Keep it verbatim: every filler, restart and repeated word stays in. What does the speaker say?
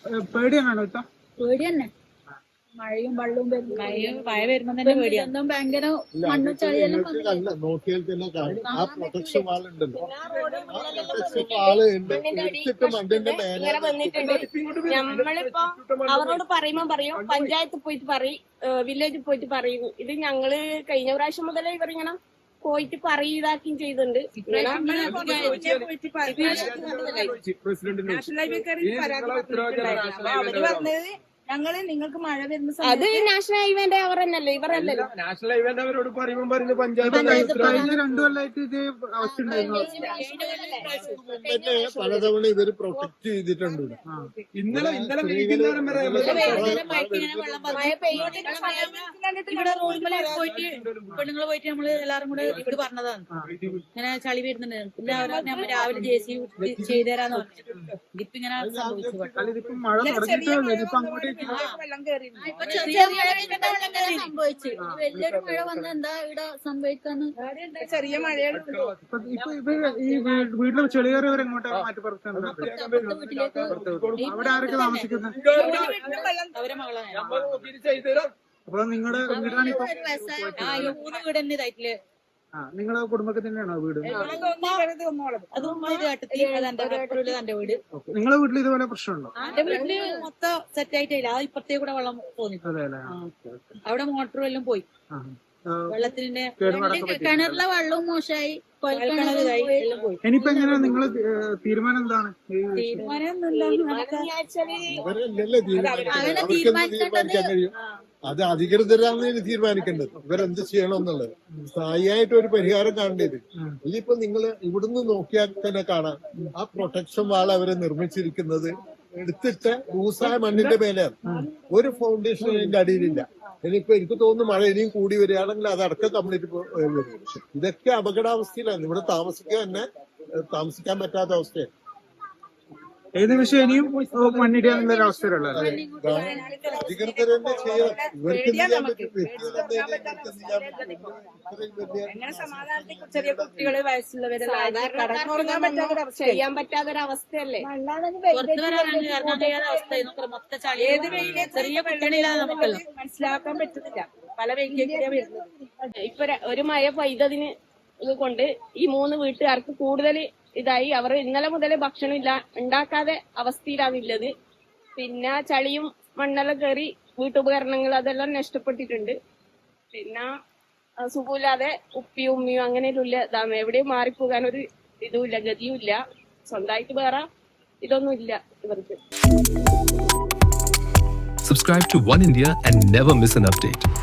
പേടിയാണോ ഇത്ത? പേടി തന്നെ, മഴയും വെള്ളവും മഴ വരുമ്പോ തന്നെ പേടിയാണ്. ഭയങ്കര മണ്ണും ചളിയെല്ലാം നോക്കിയാൽ തന്നെ കാണും ആ പ്രൊട്ടക്ഷൻ വാൾ ഉണ്ടല്ലോ, ആ പ്രൊട്ടക്ഷൻ വാള് എടുത്തിട്ട് മണ്ണിന്റെ മേലെ നമ്മളിപ്പോ അവരോട് പറയുമ്പോ പറയും, പഞ്ചായത്ത് പോയിട്ട് പറയും, വില്ലേജിൽ പോയിട്ട് പറയും. ഇത് ഞങ്ങള് കഴിഞ്ഞ പ്രാവശ്യം മുതലേ ഇവരിങ്ങനെ പോയിട്ട് പറയും ഇതാക്കുകയും ചെയ്തിട്ടുണ്ട്. അവര് പറഞ്ഞത് ഞങ്ങള് നിങ്ങൾക്ക് മഴ വരുന്ന അത് നാഷണൽ ഹൈവേന്റെ അവർ തന്നെയല്ലേ, ഇവരല്ലല്ലോ. നാഷണൽ ഹൈവേന്റെ അവരോട് പറയുമ്പോൾ പറയുന്നത് പഞ്ചായത്ത് കഴിഞ്ഞ രണ്ടു കൊല്ലമായിട്ട് ഇത് അവസ്ഥ ഉണ്ടായിരുന്നു. തന്നെ പലതവണ ഇവര് പ്രൊട്ടക്ട് ചെയ്തിട്ടുണ്ട്. ഇന്നലെ ഇന്നലെ വൈകുന്നേരം വരെ ഇവിടെ റോഡിൽ പോയിട്ട് പെണ്ണുങ്ങള് പോയിട്ട് നമ്മള് എല്ലാരും കൂടെ ഇവിടെ പറഞ്ഞതാണ് ഇങ്ങനെ ചളി വരുന്നുണ്ട്. പിന്നെ രാവിലെ ജെ സി ചെയ്തു തരാന്ന് പറഞ്ഞിട്ടുണ്ട്. ഇതിപ്പോ ഇങ്ങനെ സംഭവിച്ചു. ഇതിപ്പോ മഴ തുടങ്ങിയിട്ടേ ഇപ്പൊ അങ്ങോട്ടേക്ക് സംഭവിച്ചു. വലിയൊരു മഴ വന്ന എന്താ ഇവിടെ സംഭവിക്കാന്ന് ചെറിയ മഴയാണ്. ഇപ്പൊ ഇപ്പൊ ഈ വീട്ടിൽ ചെളിയേറിയവർ എങ്ങോട്ടാണ് മാറ്റി പറിച്ചത്? അവിടെ ആരൊക്കെ താമസിക്കുന്നത്? അവരെ മകളാണ്. അപ്പൊ നിങ്ങളുടെ വീടാണ് ഇപ്പൊ മൂന്ന് വീട് തന്നെ ഇതായിട്ടില്ലേ? ആ നിങ്ങളുടെ കുടുംബത്തിൽ തന്നെയാണോ വീട്? അതും ചേട്ടത്തി എന്റെ വീട്. നിങ്ങളുടെ വീട്ടിൽ ഇതുപോലെ പ്രശ്നമുണ്ടോ? എന്റെ വീട്ടില് മൊത്തം സെറ്റ് ആയിട്ടില്ല. അത് ഇപ്പഴത്തേ കൂടെ വെള്ളം പോന്നി. അവിടെ മോട്ടറും എല്ലാം പോയി. വെള്ളത്തിന്റെ കിണറിലെ വെള്ളവും മോശമായി. എല്ലാം പോയി. ഇനിയിപ്പോ എങ്ങനെയാ നിങ്ങള് തീരുമാനം എന്താണ്? ഇവരല്ലല്ലേ തീരുമാനിക്കാൻ കഴിയും, അത് അധികൃതരാണ് തീരുമാനിക്കേണ്ടത് ഇവരെന്ത് ചെയ്യണമെന്നുള്ളത്. സ്ഥായിയായിട്ട് ഒരു പരിഹാരം കാണേണ്ടത്. ഇതിപ്പോ നിങ്ങൾ ഇവിടുന്ന് നോക്കിയാൽ തന്നെ കാണാം ആ പ്രൊട്ടക്ഷൻ വാൾ അവരെ നിർമ്മിച്ചിരിക്കുന്നത് എടുത്തിട്ട് ലൂസായ മണ്ണിന്റെ മേലെയാണ്. ഒരു ഫൗണ്ടേഷൻ അതിന്റെ അടിയിലില്ല. ഇനിയിപ്പോ എനിക്ക് തോന്നുന്നു മഴ ഇനിയും കൂടി വരികയാണെങ്കിൽ അതടക്കം കംപ്ലീറ്റ് വരും. ഇതൊക്കെ അപകടാവസ്ഥയിലാണ്. ഇവിടെ താമസിക്കാൻ തന്നെ താമസിക്കാൻ പറ്റാത്ത അവസ്ഥയാണ്. ഏത് വിഷയം ഇനിയും മണ്ണിടിയാനുള്ള ഒരു അവസ്ഥയിലുള്ള അധികൃതർ തന്നെ ചെയ്യണം. ഇവർക്ക് ചെയ്യാൻ പറ്റും. ചെറിയ കുട്ടികള് വയസ്സുള്ളവര് ചെയ്യാൻ പറ്റാത്തൊരവസ്ഥയല്ലേ. പുറത്തു വരാനാണ് ഇറങ്ങാൻ കഴിയാത്ത അവസ്ഥ. മൊത്തം ചളി. ഏത് വെയിലെ ചെറിയ കുട്ടികളിലാണ് നമുക്കല്ലോ മനസ്സിലാക്കാൻ പറ്റുന്നില്ല. പല വെയിലേക്കാണ് വരുന്നത്. ഇപ്പൊ ഒരു മഴ പെയ്തതിന് ഇത് കൊണ്ട് ഈ മൂന്ന് വീട്ടുകാർക്ക് കൂടുതൽ ഇതായി. അവർ ഇന്നലെ മുതൽ ഭക്ഷണം ഇല്ല ഉണ്ടാക്കാതെ അവസ്ഥയിലാണുള്ളത്. പിന്നെ ചളിയും മണ്ണെല്ലാം കയറി വീട്ടുപകരണങ്ങൾ അതെല്ലാം നഷ്ടപ്പെട്ടിട്ടുണ്ട്. പിന്നെ സുഖമില്ലാതെ ഉപ്പിയും ഉമ്മിയും അങ്ങനെയുള്ള ഇതാണ്. എവിടെയും മാറിപ്പോകാൻ ഒരു ഇതുമില്ല, ഗതിയും ഇല്ല. സ്വന്തമായിട്ട് വേറെ ഇതൊന്നും ഇല്ല ഇവർക്ക്. Subscribe to One India and never miss an update.